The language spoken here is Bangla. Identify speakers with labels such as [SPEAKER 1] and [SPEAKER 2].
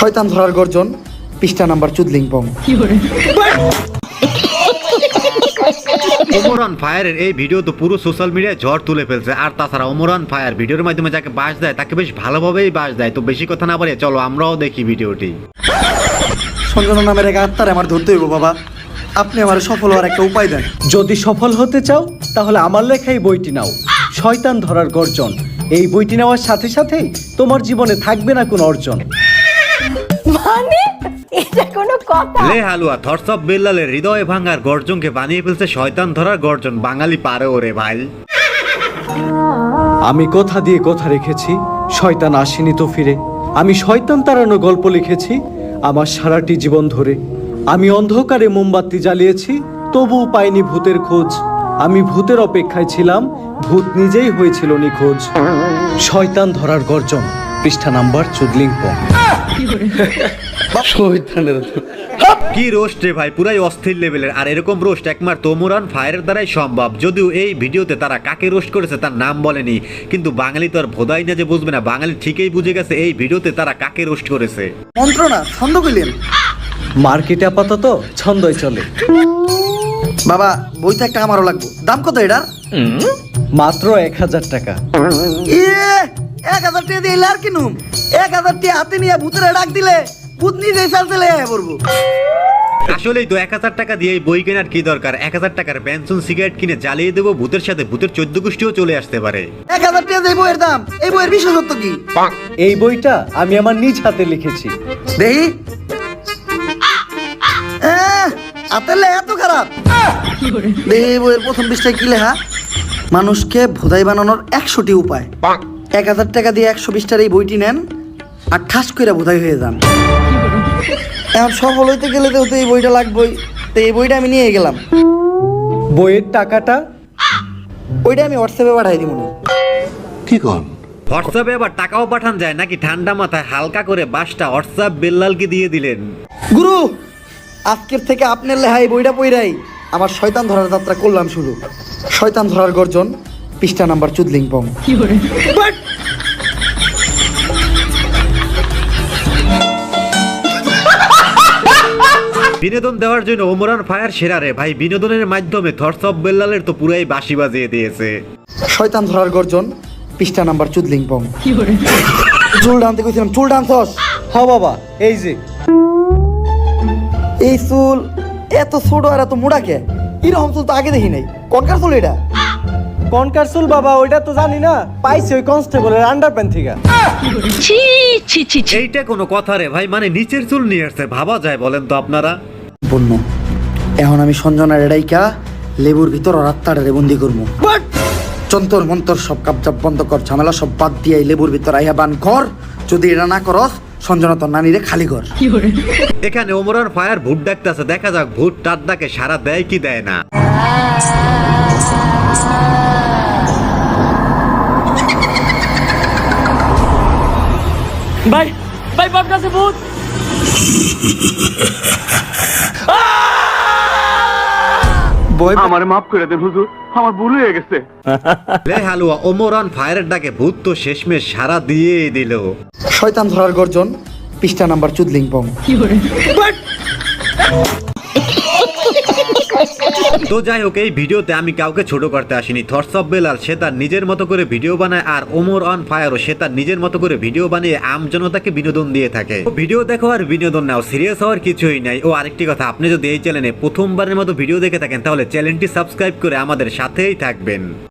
[SPEAKER 1] শয়তান ধরার গর্জন পৃষ্ঠা নাম্বার চুদলিংপং।
[SPEAKER 2] ওমরান ফায়ারের এই ভিডিও তো পুরো সোশ্যাল মিডিয়ায় ঝড় তুলে ফেলছে। আর তাছাড়া ওমরান ফায়ার ভিডিওর মাধ্যমে যাকে বাস দেয় তাকে বেশ ভালোভাবেই বাস দেয়। তো বেশি কথা না বলে চলো আমরাও দেখি ভিডিওটি।
[SPEAKER 1] সঞ্জনা নামের এক আত্মার আমার ধরতে হইব বাবা, আপনি আমার সফল হওয়ার একটা উপায় দেন।
[SPEAKER 3] যদি সফল হতে চাও তাহলে আমার লেখা এই বইটি নাও, শয়তান ধরার গর্জন। এই বইটি নেওয়ার সাথে সাথেই তোমার জীবনে থাকবে না কোনো অর্জন।
[SPEAKER 4] মানে এটা কোনো কথা?
[SPEAKER 2] লে হালুয়া থটস অফ বেল্লালের হৃদয় ভাঙার গর্জনকে বানিয়ে ফেলছে শয়তান ধরার গর্জন। বাঙালি পারে ওরে ভাই।
[SPEAKER 3] আমি কথা দিয়ে কথা রেখেছি, শয়তান আসেনি তো ফিরে। আমি শয়তান তাড়ানো গল্প লিখেছি আমার সারাটি জীবন ধরে। আমি অন্ধকারে মোমবাতি জ্বালিয়েছি, তবুও পাইনি ভূতের খোঁজ। আমি ভূতের অপেক্ষায় ছিলাম, ভূত নিজেই হয়েছিল নিখোঁজ। শয়তান ধরার গর্জন পৃষ্ঠা নাম্বার চুদলিংপং।
[SPEAKER 2] কি রোস্ট রে ভাই, পুরাই অস্থির লেভেলের। আর এরকম রোস্ট একমাত্র ওমরান ফায়ারের দ্বারাই সম্ভব। যদিও এই ভিডিওতে তারা কাকে রোস্ট করেছে তার নাম বলেনি, কিন্তু বাঙালি তো আর ভোদাই না যে বুঝবে না। বাঙালি ঠিকই বুঝে গেছে এই ভিডিওতে তারা কাকে রোস্ট করেছে।
[SPEAKER 1] মন্ত্রণা ছন্দ কইলেন
[SPEAKER 3] মার্কেটে আপাতত ছন্দই চলে।
[SPEAKER 1] বাবা, বইটা একটা আমারও লাগবে। দাম কত এটার?
[SPEAKER 3] মাত্র 1000 টাকা।
[SPEAKER 1] 1000 টাকা দিয়ে আর কিনুম? 1000 টাকা হাতে নিয়ে ভূতের ডাক দিলে ভূত নিজেই চালতে পড়বো।
[SPEAKER 2] আসলেই তো 1000 টাকা দিয়ে এই বই কেনার কি দরকার? 1000 টাকার বেনসন সিগারেট কিনে জ্বালিয়ে দেবো, ভূতের সাথে ভূতের 14 গোষ্ঠীও চলে আসতে পারে।
[SPEAKER 1] 1000 টাকা দিয়ে বইয়ের দাম, এই বইয়ের বিশেষত্ব কি?
[SPEAKER 3] এই বইটা আমি আমার নিজ হাতে লিখেছি।
[SPEAKER 1] দেহি আতেলে এত খারাপ। দেহি বইয়ের প্রথম পৃষ্ঠায় কি লেখা? মানুষকে ভোদাই বানানোর 100টি উপায়। 1000 টাকা দিয়ে 120টার এই বইটি নেন আর ঠাস করে ভোদাই হয়ে যান। এখন সফল হইতে গেলে তো এই বইটা লাগবেই। তো এই বইটা আমি নিয়ে গেলাম।
[SPEAKER 3] বইয়ের টাকাটা
[SPEAKER 1] ওইটা আমি হোয়াটসঅ্যাপে পাঠাই দিব।
[SPEAKER 2] হোয়াটসঅ্যাপে আবার টাকাও পাঠান যায় নাকি? ঠান্ডা মাথায় হালকা করে বাসটা হোয়াটসঅ্যাপ বেল্লালকে দিয়ে দিলেন।
[SPEAKER 1] গুরু, আজকের থেকে আপনার লেহাই বইটা পইরাই আমার শয়তান ধরার যাত্রা করলাম শুরু। শয়তান ধরার গর্জন পৃষ্ঠা নাম্বার চুদলিংপং।
[SPEAKER 2] বিনোদন দেওয়ার জন্য ওমরান ফায়ার সেরা রে ভাই। বিনোদনের মাধ্যমে থটস অফ বেল্লালের তো পুরাই বাঁশি বাজিয়ে দিয়েছে।
[SPEAKER 1] শয়তান ধরার গর্জন পৃষ্ঠা নাম্বার চুদলিংপং। চুল টানতে কইছিলাম, চুল টানছস?
[SPEAKER 3] হ বাবা, এই যে
[SPEAKER 1] এই চুল এত ছোট আর এত মোটা কে? এরকম চুল তো আগে দেখি নাই। কনকার চুল এটা?
[SPEAKER 3] কনকারসুল বাবা, ওইটা তো জানি না, পাইছি ওই কনস্টেবলের আন্ডারপ্যান্ট থেকে।
[SPEAKER 2] এইটা কোনো কথা রে ভাই? মানে নিচের চুল নিয়ে আসছে, ভাবা যায় বলেন তো আপনারা?
[SPEAKER 1] বন্য এখন আমি সঞ্জনা রেডাইকা লেবুর ভিতর রাত্তারে বন্দি করবো। যন্তর মন্তর সব কাপজাপ বন্ধ কর, ঝামেলা সব বাদ দিয়ে লেবুর ভিতর আইয়া বান কর। যদি এটা না করস সঞ্জনা তোর নানিরে খালি কর।
[SPEAKER 2] এখানে ওমরান ফায়ার ভূত ডাকতেছে, দেখা যাক ভূত টার ডাকে সারা দেয় কি দেয় না।
[SPEAKER 5] ভাই ভাই বাপ কাছে ভূত।
[SPEAKER 1] বই
[SPEAKER 6] আমারে মাফ করে দেন হুজুর, আমার ভুল হয়ে গেছে।
[SPEAKER 2] লে হালুয়া, ওমরান ফায়ারের ডাকে ভূত তো শেষমেশ সারা দিয়ে দিল।
[SPEAKER 1] শয়তান ধরার গর্জন পৃষ্ঠা নাম্বার চুদলিংপং।
[SPEAKER 2] তো যাই হোক, এই ভিডিওতে আমি কাউকে ছোট করতে আসিনি। থটস অফ বেলাল সে তার নিজের মতো করে ভিডিও বানায়, আর ওমরান ফায়ারও সে তার নিজের মতো করে ভিডিও বানিয়ে আমজনতাকে বিনোদন দিয়ে থাকে। ভিডিও দেখো আর বিনোদন নাও, সিরিয়াস হওয়ার কিছুই নাই। ও আরেকটি কথা, আপনি যদি এই চ্যানেলে প্রথমবারের মতো ভিডিও দেখে থাকেন তাহলে চ্যানেলটি সাবস্ক্রাইব করে আমাদের সাথেই থাকবেন।